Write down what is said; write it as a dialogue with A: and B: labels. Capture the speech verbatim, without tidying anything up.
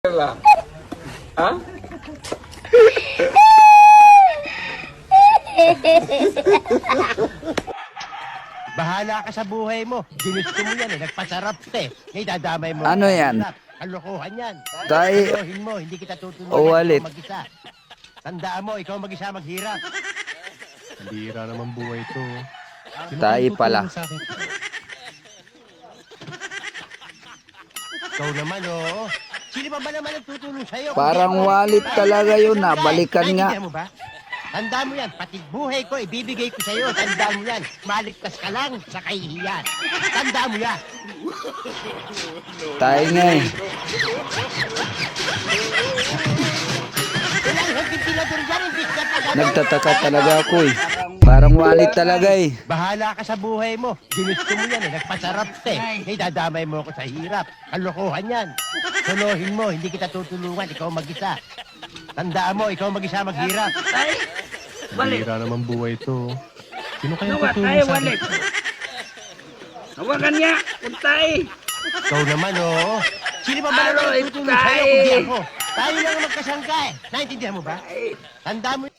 A: lah. Hah?
B: Bahala ka sa buhay mo. Ginusto mo yan eh. Nagpasarap ka eh. Ngayon dadamay mo.
C: Ano yan?
B: Kalokohan yan.
C: Tay-
B: Kalohin mo. Hindi kita tutulungan.
C: O, walit.
B: Ikaw mag-isa. Tandaan mo, ikaw mag-isa maghirap.
D: Bira naman buhay to. Sino
C: Tayo
D: kayang
C: pala.
D: tutulong sa akin?
B: Ikaw naman, oo. Sino pa ba naman nagtutulong sa'yo?
C: Parang
B: Hindi ako
C: wallet
B: nagtutulong.
C: talaga yun, ah.
B: Tandaan.
C: Balikan nga.
B: Naintindihan mo ba? Tandaan mo yan. Pati buhay ko, ibibigay ko sa'yo. Tandaan mo yan. Maligtas ka lang sa kahihiyan. Tandaan mo yan.
C: Tayo nga eh.
B: Walang hagpintilador dyan. Hindi ka talaga.
C: Nagtataka talaga ako eh. Parang wallet talaga eh.
B: Bahala ka sa buhay mo. Ginusto mo yan eh. Nagpasarap ka eh. Ngayon dadamay mo ako sa hirap. Kalokohan yan. Solohin mo. Hindi kita tutulungan. Ikaw mag-isa. Tandaan mo, ikaw mag-isa maghirap.
E: Tay, walit.
D: Bira naman buhay to. Sino kayang
E: Nawa
D: tutulong
E: tayo,
D: sa akin?
E: walit. Hawakan niya, puntay.
B: Ikaw naman, oo. Sino pa ba
E: Aroy,
B: naman tutulong sa'yo
E: tay.
B: kundi ako? Tayo lang ang magkasangka eh. Naintindihan mo ba? Tandaan mo